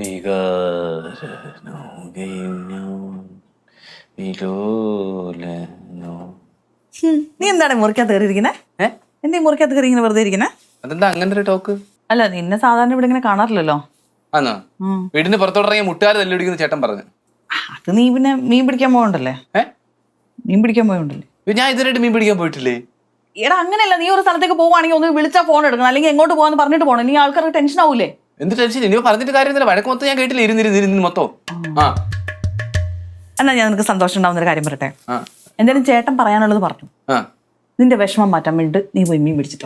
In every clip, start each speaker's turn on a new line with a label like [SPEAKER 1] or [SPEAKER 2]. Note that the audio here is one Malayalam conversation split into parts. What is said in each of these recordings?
[SPEAKER 1] നീ എന്താണ് മുറിക്കകത്ത് കയറിയിരിക്കുന്നേ? എന്തീ മുറിക്കകത്ത് കയറി ഇങ്ങനെ വെറുതെ ഇരിക്കുന്നേ?
[SPEAKER 2] അതെന്താ അങ്ങനെ ഒരു ടോക്ക്?
[SPEAKER 1] അല്ല, നിന്നെ സാധാരണ ഇവിടെ ഇങ്ങനെ കാണാറില്ലല്ലോ.
[SPEAKER 2] ആന്നോ? വീടിന് പുറത്തോട്ടിറങ്ങിയ മുട്ടുകാർ തല്ലിടിക്കുന്ന ചേട്ടൻ പറഞ്ഞു.
[SPEAKER 1] അത് നീ പിന്നെ മീൻ പിടിക്കാൻ പോകണ്ടല്ലേ? മീൻ പിടിക്കാൻ പോയോണ്ടല്ലേ?
[SPEAKER 2] ഞാൻ ഇതിനായിട്ട് മീൻ പിടിക്കാൻ പോയിട്ടില്ലേ?
[SPEAKER 1] എടാ അങ്ങനെയല്ല, നീ ഒരു സ്ഥലത്തേക്ക് പോവാണെങ്കിൽ ഒന്ന് വിളിച്ചാൽ ഫോൺ എടുക്കണം, അല്ലെങ്കിൽ എങ്ങോട്ട് പോകാന്ന് പറഞ്ഞിട്ട് പോകണം. നീ ആൾക്കാർക്ക് ടെൻഷൻ ആവൂലേ?
[SPEAKER 2] എന്ത് ടെൻഷൻ? ഇനി പറഞ്ഞിട്ട് കാര്യമില്ല. വഴക്ക് മൊത്തം ഞാൻ കേട്ടില്ല. ഇരുന്നിരുന്ന് മൊത്തം.
[SPEAKER 1] എന്നാ ഞാൻ നിനക്ക് സന്തോഷം ഉണ്ടാവുന്ന ഒരു കാര്യം പറയട്ടെ. എന്തായാലും ചേട്ടൻ പറയാനുള്ളത് പറഞ്ഞു. നിന്റെ വിഷമം മാറ്റാൻ വേണ്ടി നീ പോയി മീൻ പിടിച്ചിട്ടോ.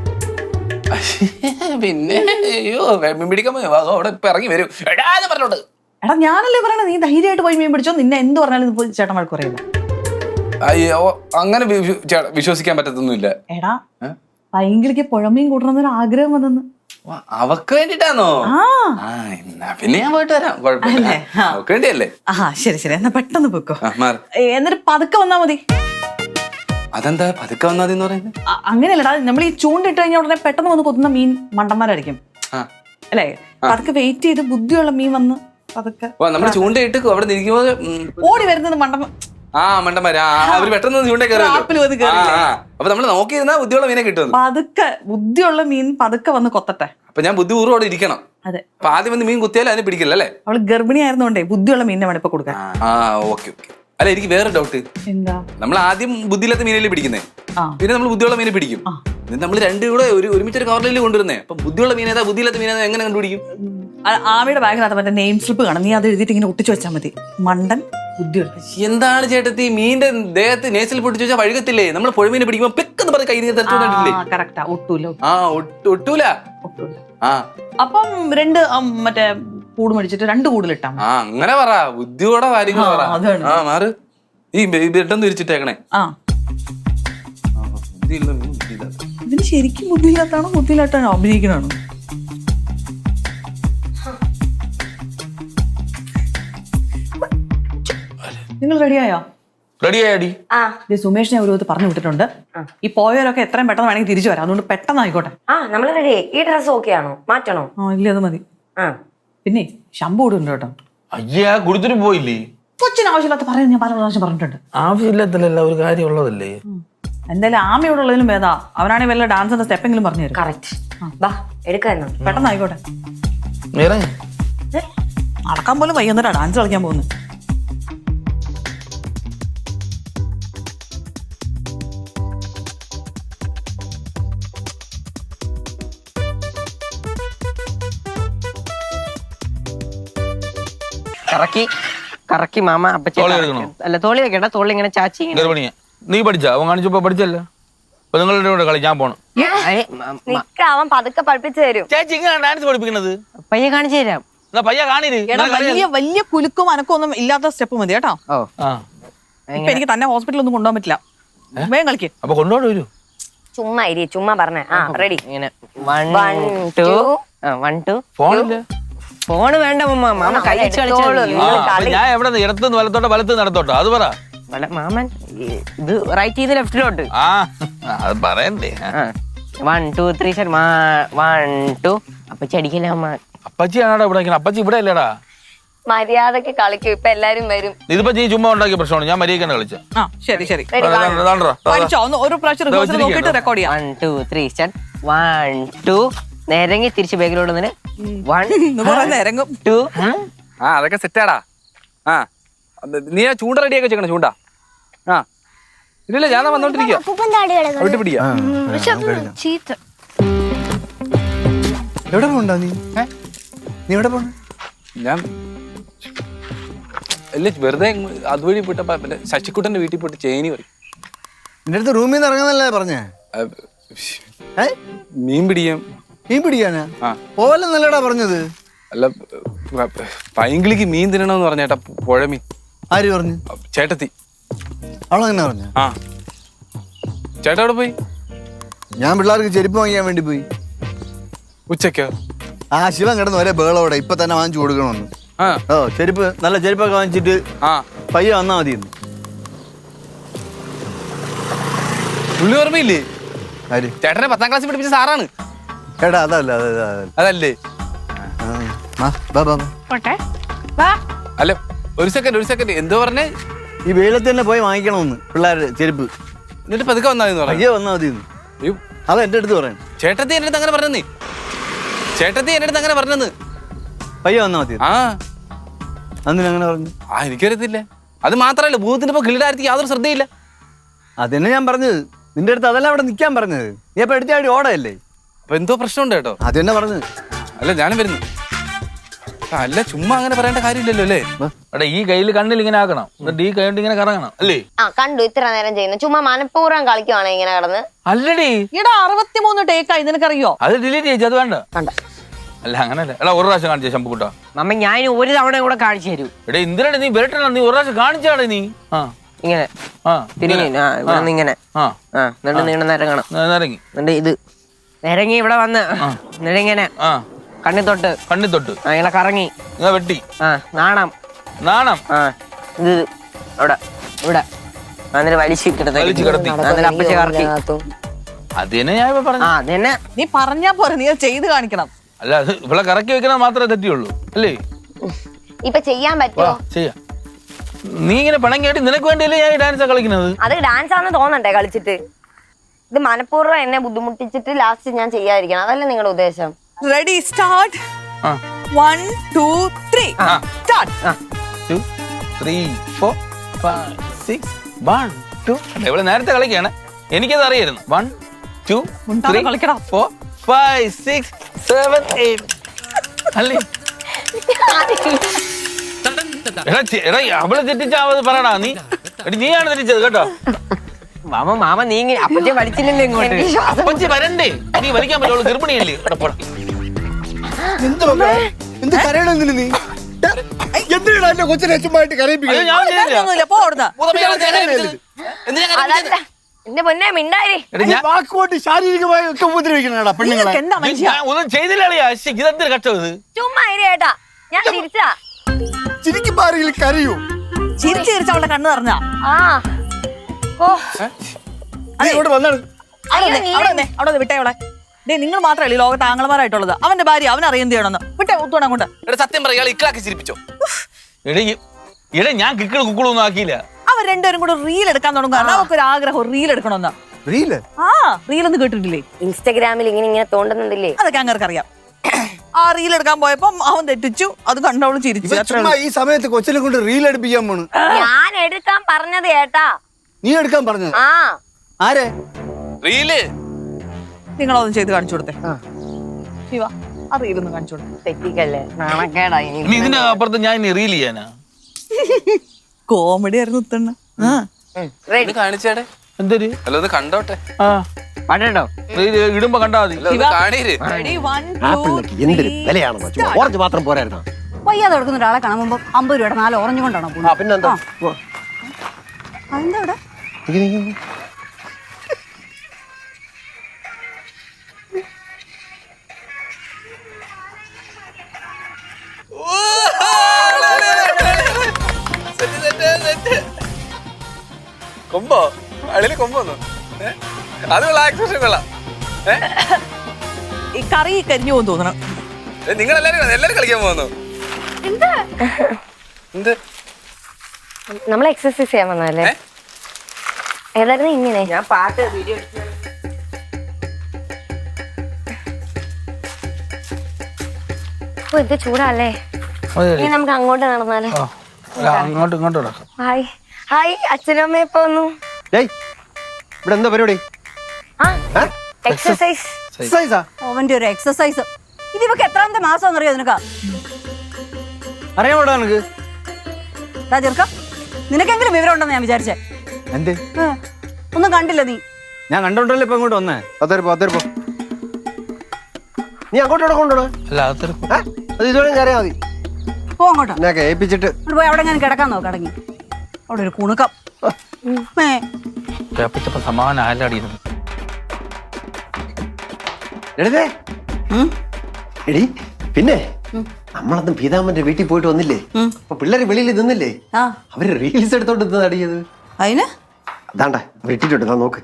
[SPEAKER 2] പിന്നെ അയ്യോ മീൻ പിടിക്കാൻ അവിടെ ഇപ്പൊ ഇറങ്ങി വരും പറഞ്ഞോണ്ട്.
[SPEAKER 1] എടാ ഞാനല്ലേ പറയണത്, നീ ധൈര്യമായിട്ട് പോയി മീൻ പിടിച്ചോ. നിന്നെ എന്ത് പറഞ്ഞാലും ചേട്ടൻ വഴക്ക് പറയില്ല.
[SPEAKER 2] അയ്യോ അങ്ങനെ വിശ്വസിക്കാൻ പറ്റത്തൊന്നുമില്ല. എടാ
[SPEAKER 1] ഭയങ്കര പുഴമീൻ കൂട്ടണമെന്നൊരു ആഗ്രഹം വന്നെന്ന്.
[SPEAKER 2] അവക്ക് വേണ്ടിട്ടാണോ? പിന്നെ ഞാൻ പോയിട്ട് വരാം, കുഴപ്പമില്ല. അവക്ക് വേണ്ടിയല്ലേ?
[SPEAKER 1] ശരി ശരി, എന്നാ പെട്ടെന്ന് പോയിക്കോ. എന്നിട്ട് പതുക്കെ വന്നാ മതി.
[SPEAKER 2] അതെന്താ പതുക്കെ വന്നാ മതി എന്ന് പറയുന്നത്?
[SPEAKER 1] അങ്ങനെയല്ലടാ, നമ്മൾ ഈ ചൂണ്ടിട്ട് കഴിഞ്ഞാൽ ഉടനെ പെട്ടെന്ന് വന്ന് കൊത്തുന്ന മീൻ മണ്ടന്മാരായിരിക്കും അല്ലേ? പതുക്കെ വെയിറ്റ് ചെയ്ത് ബുദ്ധിയുള്ള മീൻ വന്ന് പതുക്കെ
[SPEAKER 2] നമ്മള് ചൂണ്ടയിട്ട് അവിടെ നിൽക്കുമ്പോ
[SPEAKER 1] ഓടി വരുന്നത്
[SPEAKER 2] മണ്ടന്മാര് അവര് പെട്ടെന്ന് ചൂണ്ട കയറുമല്ലോ. അപ്പൊ നമ്മള് നോക്കിയിരുന്നാ ബുദ്ധിയുള്ള മീനെ കിട്ടും.
[SPEAKER 1] പതുക്കെ ബുദ്ധിയുള്ള മീൻ പതുക്കെ വന്ന് കൊത്തട്ടെ.
[SPEAKER 2] അപ്പൊ ഞാൻ ബുദ്ധിപൂർവ്വം അവിടെ ഇരിക്കണം.
[SPEAKER 1] അതെ,
[SPEAKER 2] അപ്പൊ ആദ്യം വന്ന് മീൻ കുത്തിയാലും അതിന് പിടിക്കില്ല അല്ലേ?
[SPEAKER 1] അവള് ഗർഭിണി ആയിരുന്നോണ്ടേ ബുദ്ധിയുള്ള മീനിനെ വേണം ഇപ്പൊ കൊടുക്കാൻ.
[SPEAKER 2] ഓക്കെ. അല്ല, എനിക്ക് വേറെ ഡൗട്ട്.
[SPEAKER 1] എന്താ?
[SPEAKER 2] നമ്മൾ ആദ്യം ബുദ്ധിയില്ലാത്ത മീനല്ലേ പിടിക്കുന്നേ, പിന്നെ നമ്മൾ ബുദ്ധിയുള്ള മീനെ പിടിക്കും. നമ്മൾ രണ്ടും കൂടെ ഒരുമിച്ചൊരു കവറിൽ കൊണ്ടുവരുന്നേ. അപ്പൊ ബുദ്ധിയുള്ള മീനേതാ ബുദ്ധിയില്ലാത്ത മീനേതാ എങ്ങനെ കണ്ടുപിടിക്കും?
[SPEAKER 1] ആമിയുടെ ബാഗിനകത്ത് മറ്റേ നെയിം സ്ലിപ്പ് കാണും, നീ അത് എഴുതിയിട്ട് ഇങ്ങനെ ഒട്ടിച്ചു വെച്ചാൽ മതി. മണ്ടൻ ബുദ്ധിയുള്ള.
[SPEAKER 2] എന്താണ് ചേട്ടത്തി മീന്റെ ദേഹത്ത് നേസിൽ പൊട്ടിച്ചു വെച്ചാൽ വഴുകത്തില്ലേ? നമ്മൾ പുഴമീനെ പിടിക്കുമ്പോ പെക്കെന്ന് പറഞ്ഞ കൈ
[SPEAKER 1] കറക്റ്റാ, ഒട്ടൂല.
[SPEAKER 2] ഒട്ടൂല.
[SPEAKER 1] അപ്പം രണ്ട് മറ്റേ കൂട് മേടിച്ചിട്ട് 2 കൂടുതലിട്ടാ.
[SPEAKER 2] അങ്ങനെ പറ, ബുദ്ധിയോടെ കാര്യങ്ങൾ പറ. മാറ് ഈ ബ്രെഡൊന്നും തിരിച്ചിട്ടേക്കണേ.
[SPEAKER 1] ഇതിന് ശരിക്കും ബുദ്ധിയില്ലാത്താണോ ബുദ്ധിയില്ലാത്താണോ അഭിനയിക്കണാണോ? നിങ്ങൾ റെഡിയായോ?
[SPEAKER 2] റെഡിയായി.
[SPEAKER 1] സുമേഷിനെ ഒരു പറഞ്ഞു വിട്ടിട്ടുണ്ട്. ഈ പോയവരൊക്കെ എത്രയും പെട്ടെന്ന് വേണമെങ്കിൽ തിരിച്ചു വരാം, അതുകൊണ്ട് പെട്ടെന്ന് ആയിക്കോട്ടെ.
[SPEAKER 3] നമ്മള് റെഡി. ഈ ഡ്രസ് ഓക്കെ ആണോ? മാറ്റണോ?
[SPEAKER 1] ഇല്ല, അത് മതി. പിന്നെ ശമ്പു കൂടുണ്ട് കേട്ടോ.
[SPEAKER 2] അയ്യാ കൊടുത്തിട്ട് പോയില്ലേ?
[SPEAKER 1] കൊച്ചിന് ആവശ്യമില്ലാത്ത പറയുന്നത് ഞാൻ പല പ്രാവശ്യം പറഞ്ഞിട്ടുണ്ട്.
[SPEAKER 2] ആവശ്യമില്ലാത്തല്ല, ഒരു കാര്യം ഉള്ളതല്ലേ.
[SPEAKER 1] എന്തായാലും ആമയോടെ ഉള്ളതിലും ഭേദാ അവനാണെങ്കിൽ വല്ല ഡാൻസിന്റെ സ്റ്റെപ്പെങ്കിലും പറഞ്ഞു തരും.
[SPEAKER 3] കറക്റ്റ്. എടുക്കാന്നോ?
[SPEAKER 1] പെട്ടെന്ന് ആയിക്കോട്ടെ. നടക്കാൻ പോലും വൈകുന്നേരം ഡാൻസ് കളിക്കാൻ പോകുന്നു.
[SPEAKER 4] കറക്കി മാമ അല്ല തോളി വെക്കണ്ട, തോളി ഇങ്ങനെ ചാച്ചി.
[SPEAKER 2] നീ പഠിച്ചാ? അവൻ കാണിച്ചപ്പോ പഠിച്ചല്ലോ. അപ്പൊ നിങ്ങളുടെ കൂടെ കളി ഞാൻ പോണം.
[SPEAKER 3] അവൻ പതുക്കെ പഠിപ്പിച്ചു തരും.
[SPEAKER 2] ചേച്ചി ഇങ്ങനെ ഡാൻസ് പഠിപ്പിക്കണത്
[SPEAKER 4] പയ്യെ കാണിച്ചു തരാം.
[SPEAKER 2] പയ്യ കാണീര്.
[SPEAKER 1] വലിയ കുലുക്കും അനക്കും ഒന്നും ഇല്ലാത്ത സ്റ്റെപ്പ് മതി കേട്ടോ. ഇപ്പൊ എനിക്ക് തന്നെ ഹോസ്പിറ്റലിൽ ഒന്നും കൊണ്ടുപോകാൻ പറ്റില്ല. വേഗം കളിക്ക്.
[SPEAKER 2] അപ്പൊ കൊണ്ടുപോയി വരൂ.
[SPEAKER 3] ചുമ്മാ ഇരി, ചുമ്മാ പറഞ്ഞേ. റെഡി.
[SPEAKER 4] ഇങ്ങനെ 1 2 ഫോണ് വേണ്ട മാമ, കൈ വെച്ച് കളിച്ചോളൂ.
[SPEAKER 2] ഞാൻ എവിടെ ഇടത്തുനിന്ന് വലത്തോട്ടോ വലത്തുനിന്ന് നടത്തോട്ടോ അത് പറ.
[SPEAKER 4] മാമൻ ഇത് റൈറ്റ് ചെയ്ത് ലെഫ്റ്റിലോട്ട്.
[SPEAKER 2] അത് പറയണ്ടേ.
[SPEAKER 4] 1 2 3 ശരി. 1 2. അപ്പച്ചി അടിക്കില്ല അമ്മ.
[SPEAKER 2] അപ്പച്ചിയാണോ ഇവിടെ? അപ്പച്ചി ഇവിടെ അല്ലേടാ.
[SPEAKER 3] മര്യാദക്ക് കളിക്കും. ഇപ്പൊ എല്ലാരും വരും.
[SPEAKER 2] ഇതിപ്പോ നീ ചുമ്മാ ഉണ്ടാക്കിയ പ്രശ്നമാണ്. ഞാൻ മര്യാദക്കാണ് കളിച്ച.
[SPEAKER 1] ശരി ശരി, ഒരു പ്രാവശ്യം റെക്കോർഡ് ചെയ്യാം.
[SPEAKER 4] 1 2 3 സ്റ്റാർട്ട്. 1 2 നേരങ്ങി തിരിച്ച് ബാഗിലോട്ട് 1 2.
[SPEAKER 2] അതൊക്കെ സെറ്റാടാ. നീ ആ ചൂണ്ട റെഡിയാക്കി വെച്ചേക്കണം. ചൂണ്ട ഇല്ല, ഞാൻ വന്നോണ്ടിരിക്കുക.
[SPEAKER 5] എവിടെ പോണ്ടാ നീ? നീ എവിടെ പോണ?
[SPEAKER 2] ഞാൻ അല്ലേ വെറുതെ അതുവഴി പോയിട്ടപ്പോ ശശിക്കുട്ടന്റെ വീട്ടിൽ പോയിട്ട് ചേനി പറയും.
[SPEAKER 5] നിന്റെ അടുത്ത് റൂമിൽ നിന്ന് ഇറങ്ങുന്നല്ലേ പറഞ്ഞേ?
[SPEAKER 2] മീൻ പിടിക്കാം.
[SPEAKER 5] മീൻ പിടിക്കാനാ? പോലെ നല്ലടാ പറഞ്ഞത്.
[SPEAKER 2] അല്ല, പൈങ്കിളിക്ക് മീൻ തിന്നണമെന്ന് പറഞ്ഞേട്ടാ. പുഴമീൻ.
[SPEAKER 5] ആര് പറഞ്ഞു?
[SPEAKER 2] ചേട്ടത്തി.
[SPEAKER 5] അവളെങ്ങനെ പറഞ്ഞ?
[SPEAKER 2] ചേട്ടാ എവിടെ പോയി?
[SPEAKER 5] ഞാൻ പിള്ളേർക്ക് ചെരുപ്പ് വാങ്ങിക്കാൻ വേണ്ടി പോയി.
[SPEAKER 2] ഉച്ചക്കോ?
[SPEAKER 5] ശിവൻ കിടന്ന് ഒരേ ബേളോടെ ഇപ്പൊ തന്നെ വാങ്ങിച്ചു കൊടുക്കണമെന്ന്. ചെരുപ്പ് നല്ല ചെരുപ്പൊക്കെ വാങ്ങിച്ചിട്ട് പയ്യെ വന്നാ മതി.
[SPEAKER 2] പുള്ളി ഓർമ്മയില്ലേ?
[SPEAKER 5] ആര്?
[SPEAKER 2] ചേട്ടനെ 10ാം ക്ലാസ്സിൽ പഠിപ്പിച്ച സാറാണ്.
[SPEAKER 5] ചേട്ടാ അതല്ല.
[SPEAKER 2] അതല്ലേ?
[SPEAKER 1] പോട്ടെ വാ.
[SPEAKER 2] അല്ല ഒരു സെക്കൻഡ് എന്തോ പറഞ്ഞേ?
[SPEAKER 5] ഈ വെയിലത്ത് തന്നെ പോയി വാങ്ങിക്കണമെന്ന് പിള്ളേരുടെ ചെരുപ്പ്.
[SPEAKER 2] എന്നിട്ട് പതുക്കെ വന്നാന്ന് പറഞ്ഞു.
[SPEAKER 5] പയ്യെ വന്നാൽ മതി. അത് എൻ്റെ അടുത്ത് പറയാൻ.
[SPEAKER 2] ചേട്ടത്തി എൻ്റെ അടുത്ത് അങ്ങനെ പറഞ്ഞെന്ന്.
[SPEAKER 5] പയ്യെ വന്നാൽ മതി.
[SPEAKER 2] ആ
[SPEAKER 5] അന്നിനങ്ങനെ പറഞ്ഞു.
[SPEAKER 2] എനിക്കറിയത്തില്ല. അത് മാത്രല്ല ഭൂതത്തിന്റെ ഇപ്പൊ കിളിയുടെ യാതൊരു ശ്രദ്ധയില്ല.
[SPEAKER 5] അതന്നെ ഞാൻ പറഞ്ഞത്. നിന്റെ അടുത്ത് അതല്ല അവിടെ നിൽക്കാൻ പറഞ്ഞത്. നീ അപ്പൊ എടുത്താടി ഓടയല്ലേ?
[SPEAKER 2] അപ്പൊ എന്തോ പ്രശ്നമുണ്ട് കേട്ടോ.
[SPEAKER 5] അത് തന്നെ പറഞ്ഞത്.
[SPEAKER 2] അല്ല ഞാനും വരുന്നു. അല്ല ചുമ്മാ അങ്ങനെ പറയേണ്ട കാര്യമില്ലല്ലോ അല്ലേ?
[SPEAKER 6] എടാ ഈ കയ്യിൽ കണ്ണിൽ ഇങ്ങനെ ആക്കണം, എന്നിട്ട് ഈ കൈ കൊണ്ട് ഇങ്ങനെ കറങ്ങണം അല്ലേ?
[SPEAKER 3] ആ കണ്ടു ഇത്ര നേരം ചെയ്യുന്നു. ചുമ്മാ മനഃപൂർവ്വം കളിക്കുവാണ് ഇങ്ങനെ കിടന്ന്.
[SPEAKER 6] അല്ലടി
[SPEAKER 1] ഈടാ 63 ടേക്കായി, നിനക്കറിയോ?
[SPEAKER 6] അത് ഡിലീറ്റ് ചെയ്തു. അത് വേണ്ട.
[SPEAKER 3] കണ്ട
[SPEAKER 6] അല്ല അങ്ങനല്ല. എടാ ഒരു പ്രാവശ്യം കാണിച്ചേ ശമ്പുക്കുട്ടാ.
[SPEAKER 4] മമ്മ ഞാൻ ഒരു തവണ കൂടെ കാണിച്ചു തരൂ.
[SPEAKER 6] എടാ എന്തിനാണ് നീ വരട്ടണ? നീ ഒരു പ്രാവശ്യം കാണിച്ചാടെ നീ. ആ
[SPEAKER 4] ഇങ്ങനെ
[SPEAKER 6] ആ
[SPEAKER 4] തിരിഞ്ഞു ഇവിടെ നിന്ന് ഇങ്ങനെ
[SPEAKER 6] ആ
[SPEAKER 4] എന്നിട്ട് നീണ്ട നിരങ്ങണം.
[SPEAKER 6] ഇറങ്ങി
[SPEAKER 4] എന്നിട്ട് ഇത് നിരങ്ങി ഇവിടെ വന്ന് എന്നിട്ട് ഇങ്ങനെ
[SPEAKER 6] ആ
[SPEAKER 4] കണ്ണി തൊട്ട് ഇങ്ങനെ കറങ്ങി
[SPEAKER 6] വെട്ടി.
[SPEAKER 4] നാണം ഇത് അവിടെ ഇവിടെ എന്നിട്ട് വലിച്ചു
[SPEAKER 6] കിടത്തി.
[SPEAKER 4] അപ്പച്ച കറക്കി.
[SPEAKER 6] അത് തന്നെ ഞാൻ ഇപ്പൊ പറഞ്ഞു.
[SPEAKER 4] അത് തന്നെ
[SPEAKER 1] നീ പറഞ്ഞാ പോരെ, നീ അത് ചെയ്ത് കാണിക്കണം.
[SPEAKER 6] അല്ല അത് ഇവിടെ കറക്കി വെക്കുന്നത് മാത്രമേ തെറ്റിയുള്ളൂ അല്ലേ?
[SPEAKER 3] ഇപ്പൊ ചെയ്യാൻ പറ്റുമോ?
[SPEAKER 6] ചെയ്യാം. നീ ഇങ്ങനെ പണം കേട്ടി നിനക്ക് വേണ്ടിയല്ലേ ഞാൻ ഈ ഡാൻസാ കളിക്കുന്നത്?
[SPEAKER 3] അത് ഡാൻസ് ആണെന്ന് തോന്നണ്ടേ കളിച്ചിട്ട്? ഇത് മനഃപൂർവ്വം എന്നെ ബുദ്ധിമുട്ടിച്ചിട്ട് ലാസ്റ്റ് ഞാൻ ചെയ്യാതിരിക്കണം, അതല്ലേ നിങ്ങളുടെ ഉദ്ദേശം?
[SPEAKER 1] Ready start. 1 2 3 സ്റ്റാർട്ട്.
[SPEAKER 6] 2 3 4 5 6 1 2. ഇവിടെ നേരത്തെ കളിക്കാണ്, എനിക്കത് അറിയായിരുന്നു. 1 2 3
[SPEAKER 1] കളിക്കണം.
[SPEAKER 6] 4 5 6 7 8 അല്ലേ? എടാ അവളെ തെറ്റിച്ചാവത് പറയടാ നീ. നീയാണ് തെറ്റിച്ചത് കേട്ടോ.
[SPEAKER 4] മാമ നീ അപ്പച്ചെ വലിച്ചില്ലല്ലോ ഇങ്ങോട്ട്.
[SPEAKER 6] അപ്പച്ചി വരണ്ടേ? നീ വലിക്കാൻ പറ്റുള്ളൂ, ഗർഭിണിയല്ലേ?
[SPEAKER 5] എന്ത് കരയണെന്നില്ല നീ? എന്തിനാ എന്റെ കൊച്ചിനെ ചുമ്മായിട്ട് കരയിപ്പിക്കുന്നത്?
[SPEAKER 6] ഞാൻ ചെയ്തില്ല.
[SPEAKER 1] ഒന്നുമില്ല, പോ അവിടുന്ന്.
[SPEAKER 3] അതല്ല എന്റെ പൊന്നെ മിണ്ടായി.
[SPEAKER 5] വാക്കുകൊണ്ട് ശാരീരികമായി ഒക്കെ ഉപദ്രവിക്കണടാ പെണ്ണുങ്ങളെ.
[SPEAKER 1] നിങ്ങൾക്ക് എന്താ മനുഷ്യ?
[SPEAKER 6] ഒന്നും ചെയ്തില്ല. ഇതെന്തൊരു കഷ്ടം ഇത്.
[SPEAKER 3] ചുമ്മാ ഇരി ഏട്ടാ, ഞാൻ തിരിച്ചാ.
[SPEAKER 5] ചിരിക്കുമ്പോ ആരെങ്കിലും കരയൂ?
[SPEAKER 1] ചിരിച്ച് ചിരിച്ച് അവളുടെ കണ്ണ് നിറഞ്ഞാ.
[SPEAKER 3] ആ ഓ
[SPEAKER 5] നീ ഇങ്ങോട്ട് വന്നാണ്.
[SPEAKER 1] അവിടെ വിട്ടേ അവളെ. ഡേ നിങ്ങൾ മാത്രമല്ല ഈ ലോകത്ത് ആംഗളമാരായിട്ടുള്ളത്. അവന്റെ ഭാര്യ അവൻ അറിയുന്നത് ചെയ്യണമെന്ന് വിട്ടേ. ഒത്തുകൊണ്ട് അങ്ങോട്ട്.
[SPEAKER 2] സത്യം പറയാ ഇക്കളാക്കി ചിരിപ്പിച്ചോ?
[SPEAKER 6] എടേ ഞാൻ കിക്കിള് കുക്കിളൊന്നും ആക്കിയില്ല.
[SPEAKER 1] അവർ രണ്ടുപേരും കൂടെ റീൽ എടുക്കാൻ തുടങ്ങും. കാരണം അവർക്കൊരു ആഗ്രഹം റീൽ എടുക്കണമെന്ന്. റീൽ ഒന്ന് കേട്ടിട്ടില്ലേ?
[SPEAKER 3] ഇൻസ്റ്റാഗ്രാമിൽ ഇങ്ങനെ തോണ്ടുന്നുണ്ടല്ലേ?
[SPEAKER 1] അതൊക്കെ അങ്ങർക്ക് അറിയാം. ആ റീൽ എടുക്കാൻ പോയപ്പോ അവൻ തെറ്റിച്ചു, അത് കണ്ടവള് ചിരിച്ചു.
[SPEAKER 5] ഈ സമയത്ത് കൊച്ചിനെ കൊണ്ട് റീൽ എടുപ്പിക്കാൻ പോണു.
[SPEAKER 3] ഞാൻ എടുക്കാൻ പറഞ്ഞത് ഏട്ടാ.
[SPEAKER 5] നീ എടുക്കാൻ പറഞ്ഞത്?
[SPEAKER 3] ആ
[SPEAKER 5] ആരെ?
[SPEAKER 2] റീല്
[SPEAKER 1] നിങ്ങളതൊന്നും ചെയ്ത് കാണിച്ചു കൊടുത്തേ. ശിവ ആ റീലൊന്നും കാണിച്ചു കൊടുത്തേ.
[SPEAKER 3] തെറ്റിക്കല്ലേ, നാണക്കേടായി.
[SPEAKER 6] ഇനി ഇതിന്റെ അപ്പുറത്ത് ഞാൻ ഇനി റീൽ ചെയ്യാനാ?
[SPEAKER 1] കോമഡി ആയിരുന്നു ഉത്തണ്ണ.
[SPEAKER 3] റെഡി
[SPEAKER 2] കാണിച്ചേടെ.
[SPEAKER 6] എന്തൊരു
[SPEAKER 2] അല്ല ഒന്ന് കണ്ടോട്ടെ.
[SPEAKER 4] പാട്ടോ
[SPEAKER 6] ഇടുമ്പോ കണ്ടാ മതി.
[SPEAKER 2] കാണീര്.
[SPEAKER 1] Ready, 1 2
[SPEAKER 7] എന്തൊരു വിലയാണെന്നോ? ഓറഞ്ച് മാത്രം പോരായിരുന്നോ?
[SPEAKER 8] വയ്യാതെ കൊടുക്കുന്ന ഒരാളെ കാണുമ്പോ 50 രൂപയുടെ 4 ഓറഞ്ച് കൊണ്ടാണോ പോകുന്നത്?
[SPEAKER 7] പിന്നെന്താ?
[SPEAKER 8] അതെന്താ ഇവിടെ?
[SPEAKER 2] കൊമ്പോ അളിയില് കൊമ്പോന്നു. അത് കൊള്ളാം, എക്സ്പ്രഷൻ കൊള്ളാം.
[SPEAKER 1] ഈ കറി കരിഞ്ഞു പോകുന്നു തോന്നണം.
[SPEAKER 2] നിങ്ങളെല്ലാരും കളിക്കാൻ പോകുന്നു. എന്ത്
[SPEAKER 3] നമ്മൾ എക്സസൈസ് ചെയ്യാൻ വന്നല്ലേ? ഏതായിരുന്നു ഇങ്ങനെ?
[SPEAKER 4] ഞാൻ പാട്ട് വീഡിയോ
[SPEAKER 3] ഓ ഇത് ചൂടല്ലേ? ഇനി നമുക്ക് അങ്ങോട്ട് നടന്നാലോ?
[SPEAKER 6] അങ്ങോട്ട് ഇങ്ങോട്ട് നടക്കാം.
[SPEAKER 3] ഹായ് ഹായ്, അച്ഛനും അമ്മയും ഇപ്പൊ വന്നു.
[SPEAKER 7] ഇവിടെ എന്താ പരിപാടി?
[SPEAKER 3] എക്സസൈസ്.
[SPEAKER 8] അവന്റെ ഒരു എക്സസൈസ്. ഇതിവക്ക് എത്രാമത്തെ മാസം അറിയോ നിനക്ക്?
[SPEAKER 5] അറിയാമോടാ നിനക്ക്?
[SPEAKER 8] ചെറുക്ക നിനക്കെങ്കിലും വിവരം ഉണ്ടെന്ന് ഞാൻ വിചാരിച്ചേ.
[SPEAKER 5] എന്ത്?
[SPEAKER 8] ഒന്നും കണ്ടില്ല നീ?
[SPEAKER 5] ഞാൻ കണ്ടോണ്ടല്ലേ ഇപ്പൊ ഇങ്ങോട്ട് വന്നേ.
[SPEAKER 7] അതേപ്പോ നീ അങ്ങോട്ടോടെ കൊണ്ടോണോ?
[SPEAKER 6] അല്ല അതൊരു
[SPEAKER 7] അത് ഇതുവരെ കയറിയാ മതി.
[SPEAKER 8] പോ അങ്ങോട്ടാ.
[SPEAKER 7] എന്നൊക്കെ ഏൽപ്പിച്ചിട്ട്
[SPEAKER 8] പോയി അവിടെ ഞാൻ കിടക്കാൻ നോക്ക്. അടങ്ങി അവിടെ ഒരു കുണുക്കം.
[SPEAKER 6] സമാധാനം ആലാടിയിരുന്നു.
[SPEAKER 7] എടി പിന്നെ നമ്മളന്ന് പീതാമ്മന്റെ വീട്ടിൽ പോയിട്ട് വന്നില്ലേ? അപ്പൊ പിള്ളേര് വെളിയിൽ നിന്നില്ലേ? അവര് റീൽസ് എടുത്തോണ്ട് അടിയത്.
[SPEAKER 8] അതിന്
[SPEAKER 7] അതാണ്ട വെട്ടിട്ടുണ്ട്, നോക്ക്.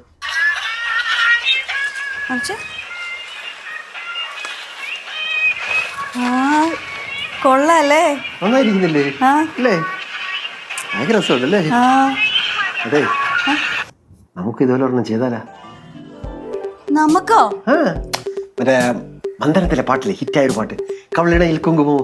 [SPEAKER 1] കൊള്ളാല്ലേ?
[SPEAKER 7] നന്നായിരിക്കുന്നില്ലേ
[SPEAKER 1] ആ.
[SPEAKER 7] അല്ലേ? ഭയങ്കര രസമുണ്ടല്ലേ?
[SPEAKER 1] ആ.
[SPEAKER 7] അതെ, നമുക്ക് ഇതുപോലെ ഒരെണ്ണം ചെയ്താലാ?
[SPEAKER 1] നമുക്കോ?
[SPEAKER 7] ആ, മറ്റേ മന്ദനത്തിലെ പാട്ടില്ലേ, ഹിറ്റായ ഒരു പാട്ട്, കവളിണയിൽ കുങ്കുമോ.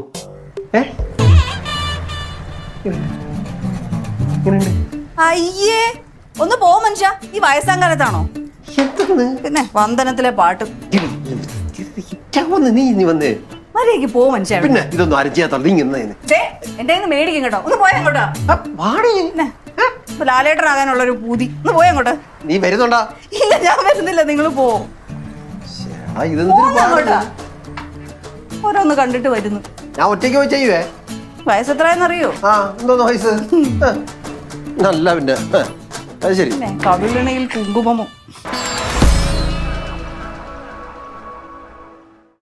[SPEAKER 1] അയ്യേ, ഒന്ന് പോ മനുഷ്യ. ഈ വയസ്സാങ്കാലത്താണോ?
[SPEAKER 7] എന്താണ്
[SPEAKER 1] പിന്നെ വന്ദനത്തിലെ പാട്ട്.
[SPEAKER 7] ഹിറ്റാവുന്ന നീ വന്ന്
[SPEAKER 1] മര്യാദക്ക് പോ മനുഷ്യ.
[SPEAKER 7] പിന്നെ ഇതൊന്നും ആരും ചെയ്യാത്ത നീ ഇന്ന്
[SPEAKER 1] എന്റെ കയ്യിൽ നിന്ന് മേടിക്കും കേട്ടോ. ഒന്ന് പോയാ അങ്ങോട്ടാ. പിന്നെ ലാലേട്ടനാകാനുള്ള ഒരു പൂതി. ഒന്ന് പോയാ അങ്ങോട്ട്.
[SPEAKER 7] നീ വരുന്നുണ്ടാ?
[SPEAKER 1] ഇല്ല, ഞാൻ വരുന്നില്ല. നിങ്ങൾ പോ.
[SPEAKER 7] ഇതെന്തൊരു
[SPEAKER 1] ഓരോന്ന് കണ്ടിട്ട് വരുന്നു.
[SPEAKER 7] ഞാൻ ഒറ്റയ്ക്ക് പോയി ചെയ്യുവേ.
[SPEAKER 1] വയസ്സെത്രയെന്നറിയോ?
[SPEAKER 7] ആ, എന്തോന്ന് വയസ്സ്? നല്ല പിന്നെ അത് ശരി.
[SPEAKER 1] കവിളിണയിൽ കുങ്കുമമോ.